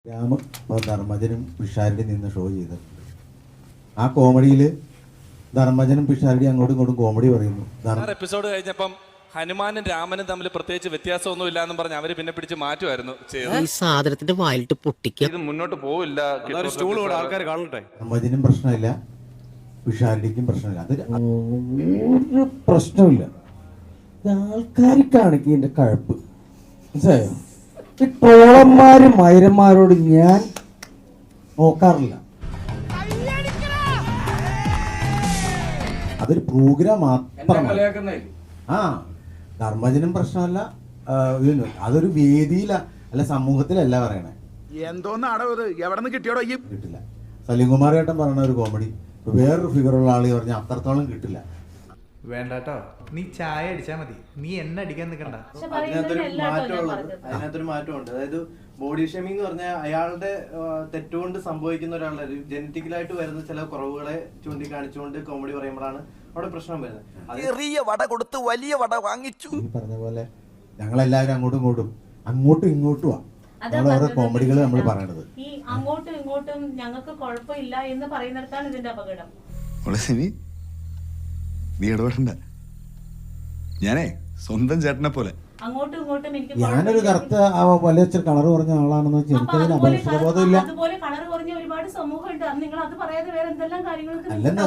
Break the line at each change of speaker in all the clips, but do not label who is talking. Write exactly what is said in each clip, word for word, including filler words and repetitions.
രാമ ധർമ്മജനും പിഷാരടി നിന്ന് ഷോ ചെയ്തിട്ടുണ്ട്. ആ കോമഡിയിൽ ധർമ്മജനും പിഷാരടി അങ്ങോട്ടും ഇങ്ങോട്ടും കോമഡി പറയുന്നു.
എപ്പിസോഡ് കഴിഞ്ഞപ്പം ഹനുമാനും രാമനും തമ്മിൽ പ്രത്യേകിച്ച് വ്യത്യാസമൊന്നും ഇല്ലാന്നും പറഞ്ഞ് അവര് പിന്നെ പിടിച്ച് മാറ്റുമായിരുന്നു.
ഈ സാധനത്തിന്റെ വായിലിട്ട് പൊട്ടിക്കുക.
ഇത് മുന്നോട്ട് പോവില്ല. ആൾക്കാർ കാണട്ടെ.
ധർമ്മജനും പ്രശ്നമില്ല, പിഷാരടിക്കും പ്രശ്നമില്ല. അതൊരു ഒരു പ്രശ്നമില്ല. ആൾക്കാർക്കാണ് ഇതിന്റെ കഴപ്പ്. മനസ്സിലായോ? ഈ ട്രോളന്മാരും മൈരന്മാരോട് ഞാൻ നോക്കാറില്ല. അതൊരു പ്രോഗ്രാം മാത്രമാണ്. ആ ധർമ്മജനും പ്രശ്നമല്ല, അതൊരു വേദിയില അല്ല സമൂഹത്തിലല്ല പറയണേ.
എന്തോന്നാടോ ഇത്? എവിടെ നിന്ന് കിട്ടിയോടോ?
കിട്ടില്ല. സലീംകുമാർ ഏട്ടൻ പറഞ്ഞ ഒരു കോമഡി വേറൊരു ഫിഗറുള്ള ആള് പറഞ്ഞ അത്രത്തോളം കിട്ടില്ല.
വേണ്ടാട്ടോ, നീ ചായ അടിച്ചാ മതി, നീ എന്നെ അടിക്കാൻ നിൽക്കണ്ട.
അതിനകത്തൊരു മാറ്റമുള്ളത് അതിനകത്തൊരു മാറ്റമുണ്ട്. അതായത് ബോഡി ഷേമിംഗ് എന്ന് പറഞ്ഞാൽ അയാളുടെ തെറ്റുകൊണ്ട് സംഭവിക്കുന്ന ഒരാളുടെ ജനറ്റിക്കലായിട്ട് വരുന്ന ചില കുറവുകളെ ചൂണ്ടിക്കാണിച്ചുകൊണ്ട് കോമഡി പറയുമ്പോഴാണ് അവിടെ പ്രശ്നം വരുന്നത്.
ചെറിയ വട കൊടുത്ത് വലിയ വട വാങ്ങിച്ചു.
ഈ പറഞ്ഞ പോലെ ഞങ്ങളെല്ലാവരും അങ്ങോട്ടും ഇങ്ങോട്ടും അങ്ങോട്ടും ഇങ്ങോട്ടും ഓരോ കോമഡികൾ നമ്മൾ പറയണത്.
ഈ അങ്ങോട്ടും ഇങ്ങോട്ടും ഞങ്ങൾക്ക് കുഴപ്പമില്ല എന്ന് പറയുന്നിടത്താണ് ഇതിന്റെ അപകടം.
നീ ഇടപെടണ്ട, ഞാനേ സ്വന്തം ചേട്ടനെ പോലെ.
അങ്ങോട്ടും ഇങ്ങോട്ടും എനിക്ക്
ഞാനൊരു കറുത്ത വലിയ കളർ പറഞ്ഞ ആളാണെന്ന് വെച്ചാൽ എനിക്കതിന് അപകടബോധമില്ല.
അതുപോലെ കളർ കുറഞ്ഞ ഒരുപാട് സമൂഹമുണ്ട്. നിങ്ങൾ അത് പറയാതെ വേറെ എന്തെല്ലാം കാര്യങ്ങൾക്ക്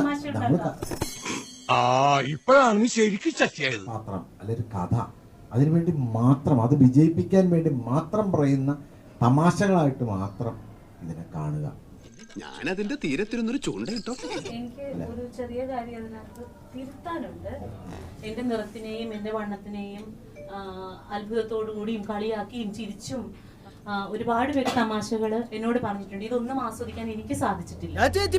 മാത്രം അല്ലൊരു കഥ അതിനുവേണ്ടി മാത്രം, അത് വിജയിപ്പിക്കാൻ വേണ്ടി മാത്രം പറയുന്ന തമാശകളായിട്ട് മാത്രം ഇതിനെ കാണുക.
ഞാനതിന്റെ തീരത്തിരുന്നൊരു ചൂണ്ട കിട്ടോ.
എനിക്ക് ഒരു ചെറിയ കാര്യം അതിനകത്ത് തിരുത്താനുണ്ട്. എന്റെ നിറത്തിനെയും എന്റെ വണ്ണത്തിനെയും അത്ഭുതത്തോടു കൂടിയും കളിയാക്കിയും ചിരിച്ചും ഒരുപാട് പേര് തമാശകള് എന്നോട് പറഞ്ഞിട്ടുണ്ട്. ഇതൊന്നും ആസ്വദിക്കാൻ എനിക്ക് സാധിച്ചിട്ടില്ല.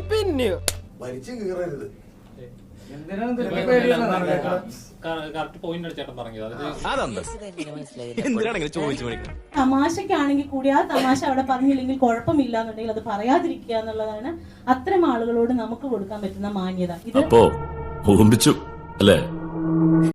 തമാശക്കാണെങ്കിൽ കൂടി ആ തമാശ അവിടെ പറഞ്ഞില്ലെങ്കിൽ കുഴപ്പമില്ല എന്നുണ്ടെങ്കിൽ അത് പറയാതിരിക്കുക എന്നുള്ളതാണ് അത്തരം ആളുകളോട് നമുക്ക് കൊടുക്കാൻ പറ്റുന്ന മാന്യത. ഇത്